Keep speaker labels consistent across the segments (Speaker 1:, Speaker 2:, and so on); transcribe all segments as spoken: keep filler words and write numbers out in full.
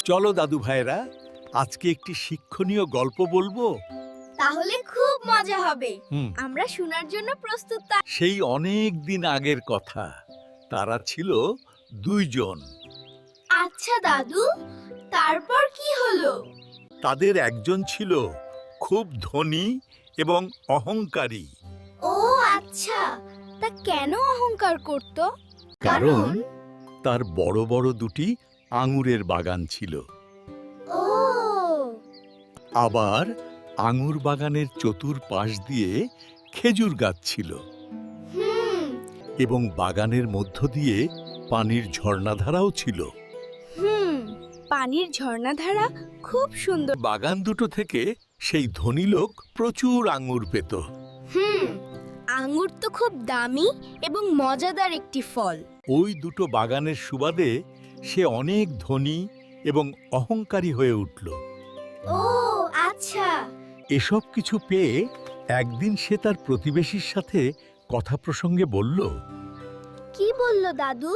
Speaker 1: চলো দাদু ভাইরা, আজকে একটি শিক্ষণীয় গল্প বলবো।
Speaker 2: তাহলে খুব মজা হবে।
Speaker 1: হুম।
Speaker 2: আমরা শোনার জন্য প্রস্তুত।
Speaker 1: সেই অনেক দিন আগের কথা। তারা ছিল দুইজন।
Speaker 2: আচ্ছা দাদু, তারপর কি হলো?
Speaker 1: তাদের একজন ছিল খুব ধনী এবং অহংকারী।
Speaker 2: ও আচ্ছা, তা কেন অহংকার করত?
Speaker 1: কারণ তার বড় বড় দুটি আঙুরের বাগান ছিল।
Speaker 2: ও
Speaker 1: আবার আঙুর বাগানের চতুর্পাশ দিয়ে খেজুর গাছ ছিল
Speaker 2: হুম
Speaker 1: এবং বাগানের মধ্য দিয়ে পানির ঝর্ণাধারাও ছিল।
Speaker 2: হুম পানির ঝর্ণাধারা খুব সুন্দর।
Speaker 1: বাগান দুটো থেকে সেই ধনী লোক প্রচুর আঙুর পেত।
Speaker 2: হুম আঙ্গুর তো খুব দামি এবং মজাদার একটি ফল।
Speaker 1: ওই দুটো বাগানের সুবাদে সে অনেক ধনী এবং অহংকারী হয়ে উঠল।
Speaker 2: ও আচ্ছা।
Speaker 1: এসব কিছু পেয়ে একদিন সে তার প্রতিবেশীর সাথে কথা প্রসঙ্গে বলল,
Speaker 2: কি বলল দাদু?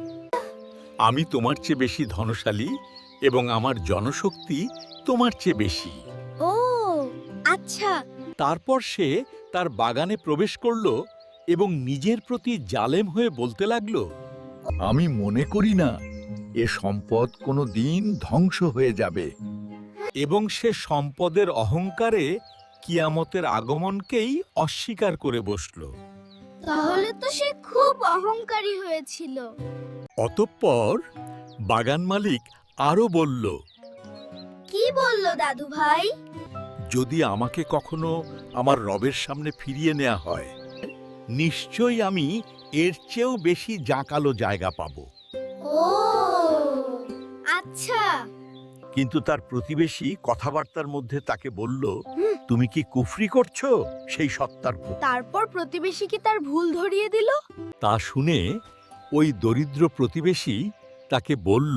Speaker 1: আমি তোমার চেয়ে বেশি ধনশালী এবং আমার জনশক্তি তোমার চেয়ে বেশি।
Speaker 2: ও আচ্ছা।
Speaker 1: তারপর সে তার বাগানে প্রবেশ করল এবং নিজের প্রতি জালেম হয়ে বলতে লাগল, আমি মনে করি না এ সম্পদ কোনো দিন ধ্বংস হয়ে যাবে। এবং সে সম্পদের অহংকারে কিয়ামতের আগমনকেই অস্বীকার করে বসল।
Speaker 2: তাহলে তো সে খুব অহংকারী হয়েছিল।
Speaker 1: অতঃপর বাগান মালিক আরো বলল,
Speaker 2: কি বলল দাদু ভাই?
Speaker 1: যদি আমাকে কখনো আমার রবের সামনে ফিরিয়ে নেওয়া হয়, নিশ্চয়ই আমি এর চেয়েও বেশি জাঁকালো জায়গা পাব।
Speaker 2: ও আচ্ছা।
Speaker 1: কিন্তু তার প্রতিবেশী কথাবার্তার মধ্যে তাকে বলল, তুমি কি কুফরি করছো সেই সত্তার প্রতি?
Speaker 2: তারপর প্রতিবেশী কি তার ভুল ধরিয়ে দিল?
Speaker 1: তা শুনে ওই দরিদ্র প্রতিবেশী তাকে বলল,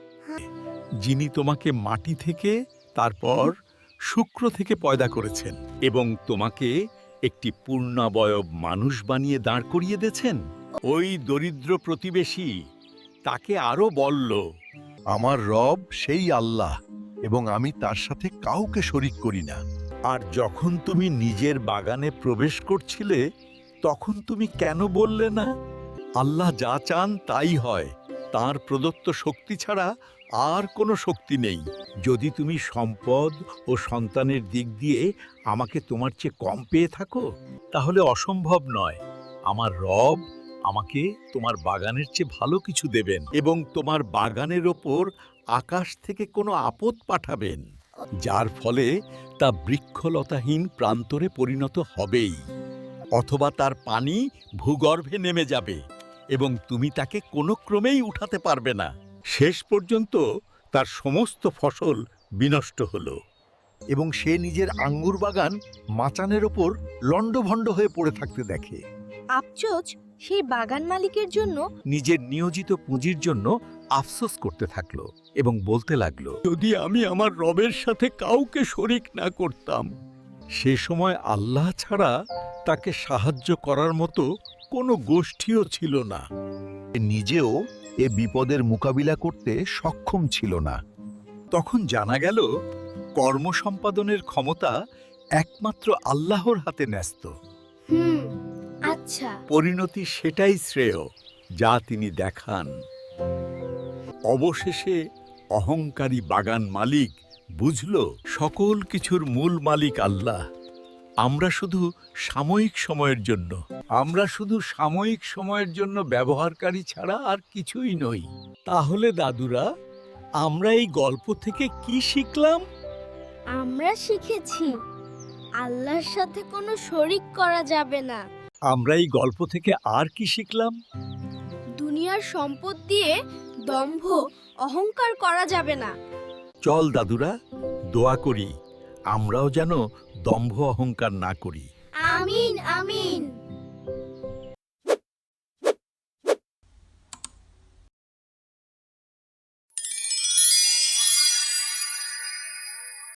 Speaker 1: যিনি তোমাকে মাটি থেকে তারপর শুক্র থেকে পয়দা করেছেন এবং তোমাকে একটি পূর্ণাবয়ব মানুষ বানিয়ে দাঁড় করিয়ে দিয়েছেন, ওই দরিদ্র প্রতিবেশী তাকে আরো বলল,
Speaker 3: আমার রব সেই আল্লাহ এবং আমি তার সাথে কাউকে শরিক করি না।
Speaker 1: আর যখন তুমি নিজের বাগানে প্রবেশ করছিলে, তখন তুমি কেন বললে না, আল্লাহ যা চান তাই হয়, তার প্রদত্ত শক্তি ছাড়া আর কোনো শক্তি নেই। যদি তুমি সম্পদ ও সন্তানের দিক দিয়ে আমাকে তোমার চেয়ে কম পেয়ে থাকো, তাহলে অসম্ভব নয়, আমার রব আমাকে তোমার বাগানের চেয়ে ভালো কিছু দেবেন এবং তোমার বাগানের ওপর আকাশ থেকে কোনো আপদ পাঠাবেন, যার ফলে তা বৃক্ষলতাহীন প্রান্তরে পরিণত হবেই, অথবা তার পানি ভূগর্ভে নেমে যাবে এবং তুমি তাকে কোনো ক্রমেই উঠাতে পারবে না। শেষ পর্যন্ত তার সমস্ত ফসল বিনষ্ট হলো
Speaker 3: এবং সে নিজের আঙ্গুর বাগান মাচানের ওপর লণ্ডভণ্ড হয়ে পড়ে থাকতে দেখে।
Speaker 2: আফসোস সেই বাগান মালিকের জন্য।
Speaker 1: নিজের নিয়োজিত পুঁজির জন্য আফসোস করতে থাকলো এবং বলতে লাগলো, যদি আমি আমার রবের সাথে কাউকে শরিক না করতাম। সে সময় আল্লাহ ছাড়া তাকে সাহায্য করার মতো কোনো গোষ্ঠীও ছিল না।
Speaker 3: সে নিজেও এ বিপদের মোকাবিলা করতে সক্ষম ছিল না।
Speaker 1: তখন জানা গেল, কর্ম সম্পাদনের ক্ষমতা একমাত্র আল্লাহর হাতে ন্যস্ত।
Speaker 2: হুম আচ্ছা।
Speaker 1: পরিণতি সেটাই শ্রেয় যা তিনি দেখান। অবশেষে অহংকারী বাগান মালিক বুঝল, সকল কিছুর মূল মালিক আল্লাহ। আমরা শুধু সাময়িক সময়ের জন্য আমরা শুধু সাময়িক সময়ের জন্য ব্যবহারকারী ছাড়া আর কিছুই নই। তাহলে দাদুরা, আমরা এই গল্প থেকে কি শিখলাম?
Speaker 2: আমরা শিখেছি আল্লাহর সাথে কোনো শরিক করা যাবে না।
Speaker 1: আমরা এই গল্প থেকে আর কি শিখলাম?
Speaker 2: দুনিয়ার সম্পদ দিয়ে দম্ভ অহংকার করা যাবে না।
Speaker 1: চল দাদুরা, দোয়া করি আমরাও যেন দম্ভ অহংকার না করি।
Speaker 2: আমিন আমিন।